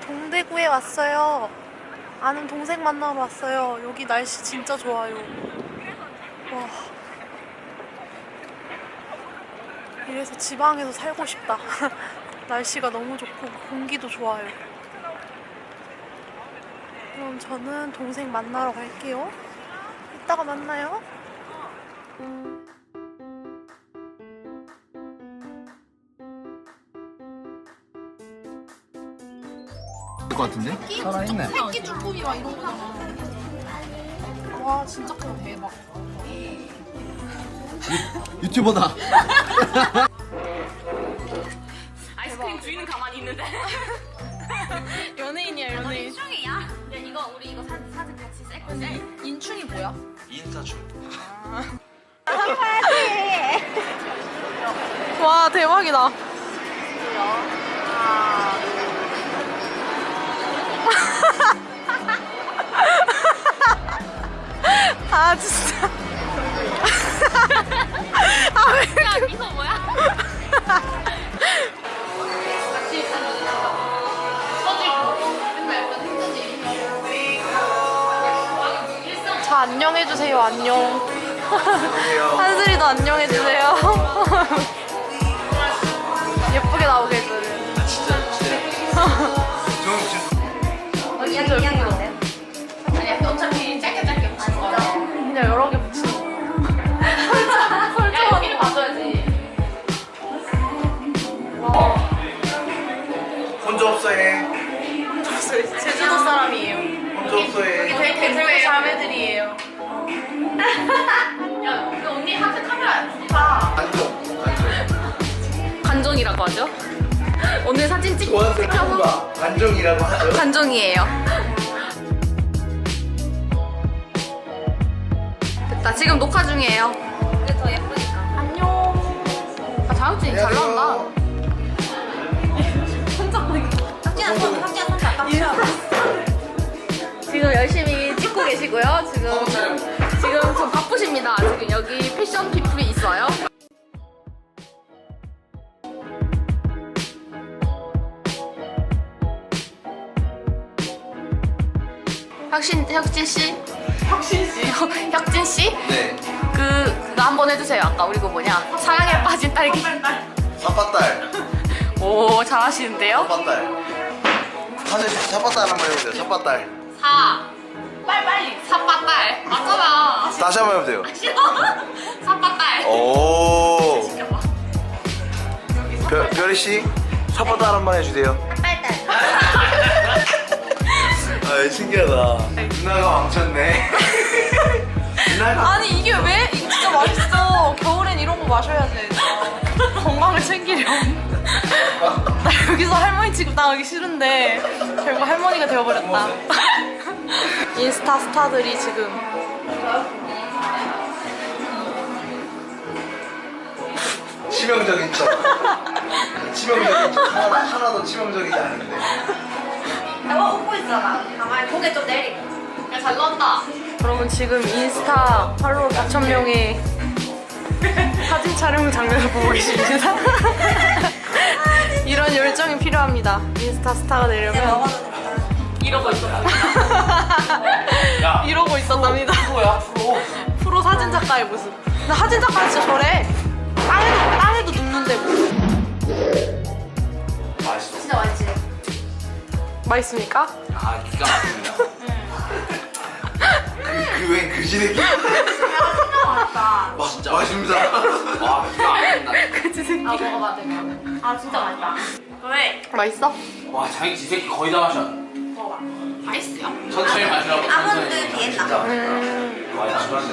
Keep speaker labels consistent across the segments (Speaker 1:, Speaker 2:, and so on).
Speaker 1: 동대구에 왔어요. 아는 동생 만나러 왔어요. 여기 날씨 진짜 좋아요. 와. 이래서 지방에서 살고 싶다. 날씨가 너무 좋고 공기도 좋아요. 그럼 저는 동생 만나러 갈게요. 이따가 만나요.
Speaker 2: 것 같은데? 살아있네.
Speaker 1: 새끼 쭈꾸미 막 이런 거잖아. 와 진짜 크다. 대박.
Speaker 2: 유튜버다.
Speaker 3: 아이스크림 주인은 가만히 있는데.
Speaker 1: 연예인이야 연예인.
Speaker 3: 인충이야? 야 이거 우리 이거 사진 같이 셀 건데.
Speaker 1: 인충이 뭐야?
Speaker 2: 인사춤.
Speaker 1: 와 대박이다. 아 진짜. 아 왜?
Speaker 3: 야 미소 뭐야?
Speaker 1: 저 안녕해주세요. 안녕. 한슬이도 안녕해주세요. 예쁘게 나오게 해줘요.
Speaker 2: 진짜.
Speaker 1: 진짜 예쁘다.
Speaker 3: 아니야 어차피 짧게 붙이는 거야.
Speaker 1: 그냥 여러 개 붙이는 거.
Speaker 3: 야 여기를 봐줘야지.
Speaker 2: 혼자 없어해.
Speaker 1: 제주도 사람이에요.
Speaker 2: 혼자 없어해.
Speaker 1: 대구 자매들이에요.
Speaker 3: 야 우리 언니 하트 카메라 봐.
Speaker 2: 안정.
Speaker 3: 간종이라고 하죠? 오늘 사진
Speaker 2: 좋아하는 친구가 안정이라고 하죠.
Speaker 3: 간종이에요. 됐다. 지금 녹화 중이에요. 이게 더 예쁘니까. 안녕. 아, 자격증 잘 나온다. 지금 열심히 찍고 계시고요. 지금 좀 바쁘십니다. 지금 여기 패션 피플이 있어요. 혁진 씨? 혁진 씨?
Speaker 2: 네.
Speaker 3: 그거 한번 해주세요. 아까 우리 그 뭐냐? 사랑에 빠진 딸기.
Speaker 2: 사빠딸.
Speaker 3: 오 잘하시는데요?
Speaker 2: 사빠딸. 사실 사빠딸 한번 해보세요. 사빠딸.
Speaker 3: 빨리 사빠딸 맞잖아.
Speaker 2: 다시 한번 해보세요.
Speaker 3: 싫어. 사빠딸.
Speaker 2: 오. 별이 씨, 사빠딸 한번 해주세요. 아, 신기하다. 누나가 망쳤네. 누나가.
Speaker 1: 아니 이게 왜? 이거 진짜 맛있어. 겨울엔 이런 거 마셔야 돼. 건강을 챙기렴. 나 여기서 할머니 취급 당하기 싫은데 결국 할머니가 되어버렸다. 인스타 스타들이 지금
Speaker 2: 치명적인 척. 치명적인 척. 하나도 치명적이지 않은데.
Speaker 3: 내가 웃고 있잖아. 가만히 고개 좀 내리고. 야 잘 나온다.
Speaker 1: 여러분 지금 인스타 팔로워 4,000명의 사진 촬영 장면을 보고 계십니다. 이런 열정이 필요합니다. 인스타 스타가 되려면
Speaker 3: 이러고 있어.
Speaker 1: 이러고 있었답니다. 프로 사진 작가의 모습. 근데 사진 작가 진짜 저래. 땅에도 눕는데 뭐.
Speaker 2: 맛있어.
Speaker 3: 진짜 맛있지?
Speaker 1: 맛있습니까?
Speaker 2: 아, 기가 막힙니다. 그 지내기.
Speaker 3: 진짜 맛있다.
Speaker 2: 와, 진짜 맛있습니다. 와, 기가 막힌다.
Speaker 1: 그치 새끼.
Speaker 3: 아 먹어봐 대박. 아 진짜 맛있다. 왜?
Speaker 1: 맛있어?
Speaker 4: 와 자기 지새끼 거의 다 마셔.
Speaker 3: 먹어봐. 맛있어요?
Speaker 4: 천천히 마시라고.
Speaker 3: 아몬드
Speaker 4: 천천히.
Speaker 3: 비엔나.
Speaker 2: 와, 맛있어.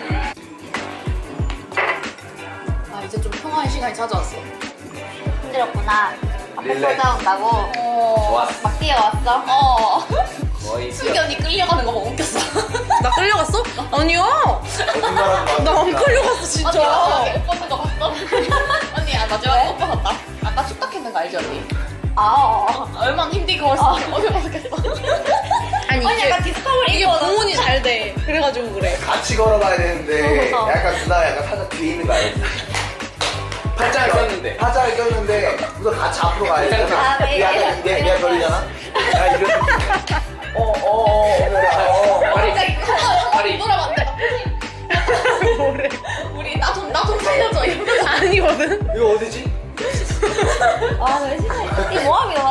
Speaker 3: 아 이제 좀 평화의 시간이 찾아왔어.
Speaker 5: 힘들었구나. 앞에
Speaker 2: 릴렉스.
Speaker 5: 쏟아 온다고
Speaker 4: 좋았어.
Speaker 5: 막 뛰어왔어.
Speaker 4: 거의
Speaker 3: 승기 언니 끌려가는 거 보고 웃겼어.
Speaker 1: 나 끌려갔어? 아니야. 나 안 끌려갔어 진짜.
Speaker 3: 언니 마지막에 옷 벗은 거 봤어? 언니 마지막에 옷 벗었다. 아까 축탁했는 거 알지 언니? 얼마나 힘들게 걸었어. 어디 벗었겠어?
Speaker 1: 아니
Speaker 5: 언니
Speaker 1: 이게
Speaker 5: 약간 디스커버리
Speaker 1: 이게
Speaker 5: 입고
Speaker 1: 구분이 잘 돼. 그래가지고 그래.
Speaker 2: 같이 걸어가야 되는데 약간 누나가 약간 살짝 뒤에 있는 거 알지?
Speaker 4: 팔짱을 꼈는데.
Speaker 2: 팔짱을 꼈는데 우선 같이 앞으로 가야 돼.
Speaker 5: 아, 네.
Speaker 2: 약간 이게 별이잖아.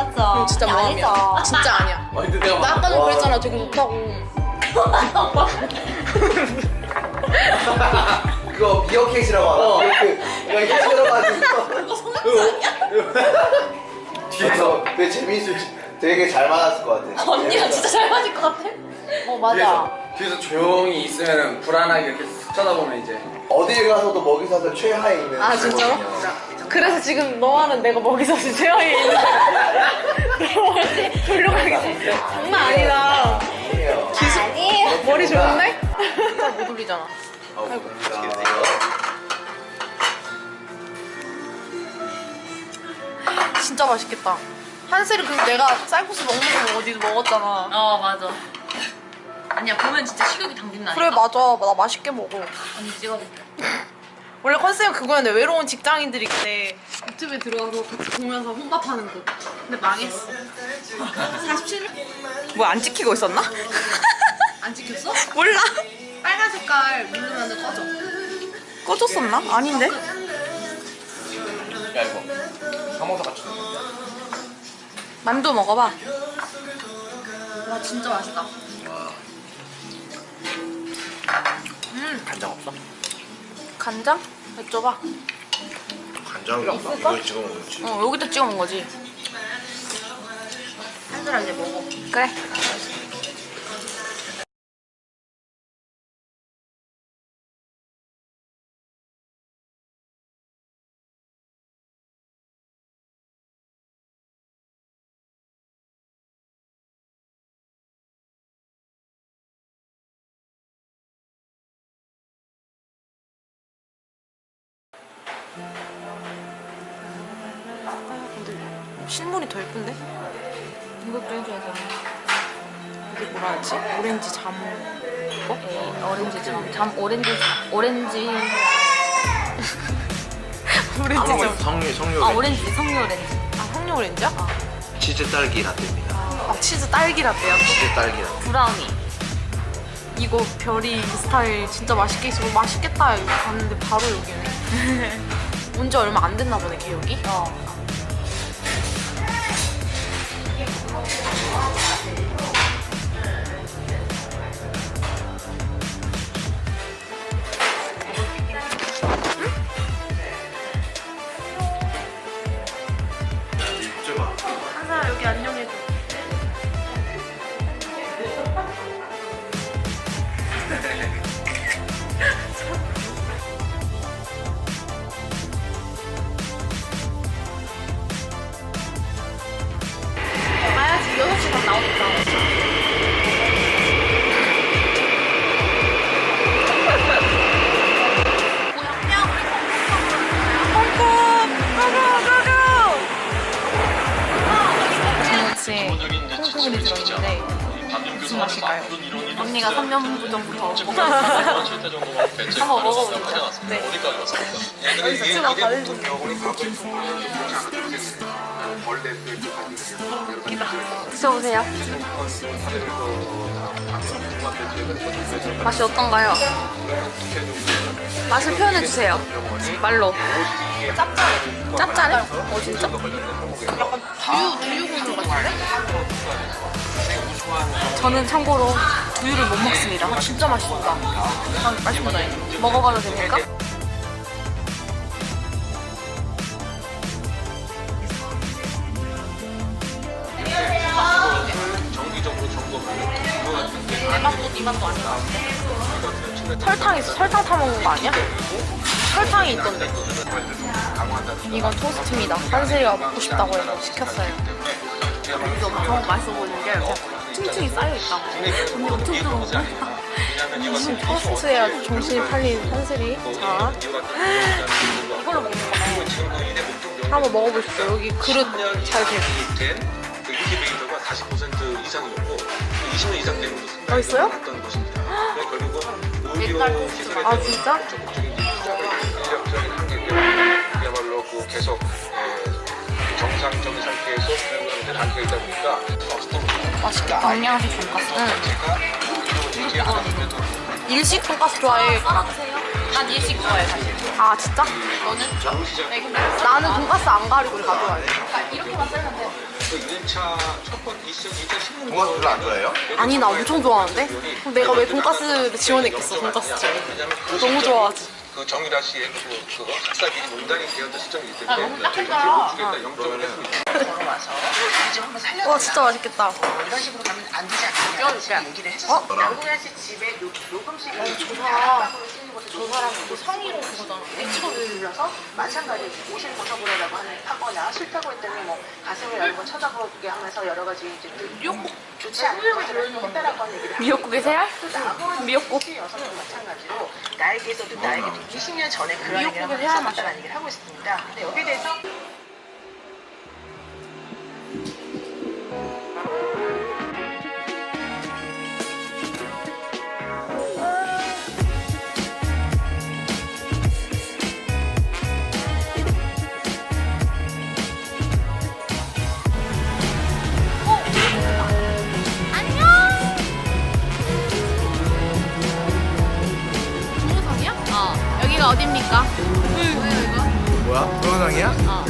Speaker 5: 맞죠?
Speaker 1: 진짜 모함이야.
Speaker 5: 아니죠.
Speaker 1: 진짜 아니야.
Speaker 4: 근데 내가
Speaker 1: 나 아까는
Speaker 2: 와.
Speaker 1: 그랬잖아. 되게 좋다고.
Speaker 2: 그거 미어캣이라고 알아? 미어캣. 이거 힘들어가지고.
Speaker 3: 그거 성형수 아니야?
Speaker 2: 뒤에서 되게 재밌을 되게 잘 맞았을 것 같아.
Speaker 3: 언니랑 진짜 잘 맞을 것 같아.
Speaker 5: 맞아.
Speaker 4: 뒤에서 조용히 있으면 불안하게 이렇게 쓱 쳐다보면 이제
Speaker 2: 어딜 가서도 먹이 사슬 최하에 있는.
Speaker 1: 아 진짜로? 그래서 지금 너와는 내가 먹이사슬 최하에 있는데 돌려가겠어. 장난 아니다.
Speaker 2: 아니에요.
Speaker 5: 아니에요.
Speaker 1: 머리 좋은데? 잘 못 올리잖아.
Speaker 2: 아이고.
Speaker 1: 진짜 맛있겠다. 한슬이 그 내가 쌀국수 먹는 거 어디서 먹었잖아.
Speaker 3: 맞아. 아니야 보면 진짜 식욕이 당긴다.
Speaker 1: 그래 맞아. 나 맛있게 먹어.
Speaker 3: 언니 찍어줄게.
Speaker 1: 원래 컨셉은 그거였는데 외로운 직장인들이 그때 유튜브에 들어가서 같이 보면서 혼밥하는 거. 근데 망했어. 47명? 뭐 안 찍히고 있었나?
Speaker 3: 안 찍혔어?
Speaker 1: 몰라.
Speaker 3: 빨간 색깔 누르면 꺼져.
Speaker 1: 꺼졌었나? 아닌데?
Speaker 4: 야 이거 사모사 같이
Speaker 1: 만두 먹어봐.
Speaker 3: 와 진짜 맛있다.
Speaker 4: 간장 없어?
Speaker 1: 간장? 여쭤봐.
Speaker 2: 간장이 없어? 이거 찍어 먹었지.
Speaker 1: 여기다 찍어 먹은 거지.
Speaker 3: 한슬아 이제 먹어.
Speaker 1: 그래. 실물이 더 예쁜데?
Speaker 3: 이것도 해줘야죠.
Speaker 1: 이게 뭐라 하지? 오렌지 자몽.
Speaker 3: 오렌지 오렌지
Speaker 1: 오렌지
Speaker 2: 성류
Speaker 3: 오렌지 석류 오렌지.
Speaker 1: 석류 오렌지야?
Speaker 2: 치즈 딸기 라떼입니다.
Speaker 1: 치즈 딸기 라떼야.
Speaker 2: 치즈 딸기 라떼.
Speaker 3: 브라우니.
Speaker 1: 이거 별이 이 스타일 진짜 맛있게 있어. 맛있겠다. 이거 봤는데 바로 여기네. 온 지 얼마 안 됐나 보네, 걔 여기. 한사 여기 안녕해줘.
Speaker 3: 가야지 6시 반 나오니까.
Speaker 1: 저녁에 콩고물이 들어있는데 무슨 맛일까요?
Speaker 3: 언니가 3년 전부터
Speaker 1: 한번 먹어보자. 네. 여기서 찍어 가려줄게요. 드셔보세요. 맛이 어떤가요? 맛을 표현해주세요. 말로. 짭짤해. 짭짤해? 진짜? 약간 두유 국물 같은데? 저는 참고로 두유를 못 먹습니다. 진짜 맛있다. 맛있다. 먹어봐도 됩니까? 내 맛도 네 맛도 아닌 것 같아. 설탕 있어. 설탕 타 먹는 거 아니야? 설탕이 있던데. 이건 토스트입니다. 한슬이가 먹고 싶다고 해서 시켰어요. 이게 엄청 맛있어 보이는 게 층층이 쌓여있다고. 언니 엄청 들어오고 무슨 토스트야 정신이 팔린 한슬이. 자, 이걸로 먹는 거네. 한번 먹어보십시오. 여기 그릇 잘 돼.
Speaker 6: 그 인기베이터가 40% 이상이었고 20년 이상 된 것으로
Speaker 1: 맛있어요?
Speaker 6: 했던 것입니다. 그래서 결국은
Speaker 1: 옛날
Speaker 6: 의료
Speaker 1: 토스트.
Speaker 6: 시설에
Speaker 1: 아,
Speaker 6: 대한
Speaker 1: 진짜?
Speaker 6: 적극적인 인력적인 한계 때문에 그야말로 계속 정상적인 상태에서 운영하는 데 한계가 있다 보니까
Speaker 1: 맛있겠다. 경량식 돈가스.
Speaker 6: 제가 이렇게 하다 보면은
Speaker 1: 일식 돈가스 좋아해.
Speaker 3: 난 일식 좋아해 사실.
Speaker 1: 아 진짜?
Speaker 3: 너는? 네, 근데
Speaker 1: 나는 돈가스 안 가리고 가져와요.
Speaker 3: 이렇게만 썰면 돼.
Speaker 6: 그 1차 첫 번째 2016년
Speaker 2: 동화도 별로 안 좋아해요?
Speaker 1: 아니 나 엄청 좋아하는데? 그럼 내가 왜 돈가스를 지원했겠어 돈가스 지원. 너무 좋아하지.
Speaker 6: 그 정유라 씨의 그 학사비리 논란이 되었던 시점이 있을 때
Speaker 3: 너무 딱딱하다.
Speaker 6: 주겠다 0점을 했습니다.
Speaker 7: 걸어와서 이좀 한번 살려달라.
Speaker 1: 와 진짜 맛있겠다.
Speaker 7: 이런 식으로 가면 안 되지 않느냐 얘기를 했었어. 양궁현 씨 집에 녹음실이
Speaker 1: 좋다.
Speaker 7: 저 사람 그 성희롱 그거잖아. H를 눌러서 마찬가지 옷을 벗어보려고 하거나 싫다고 했더니 뭐 가슴을 열고 쳐다보게 하면서 여러 가지 이제 미역국 좋지 않은 것들을 했다라고 하는 얘기를
Speaker 1: 미역국에 새알? 미역국.
Speaker 7: 여성도 마찬가지로 나에게서도 나에게도 20년 전에 그런 얘기를 한번 했었다는 얘기를 하고 있습니다. 근데 여기에 대해서
Speaker 3: 동호성이야? 여기가 어딥니까?
Speaker 2: 뭐야? 동영상이야?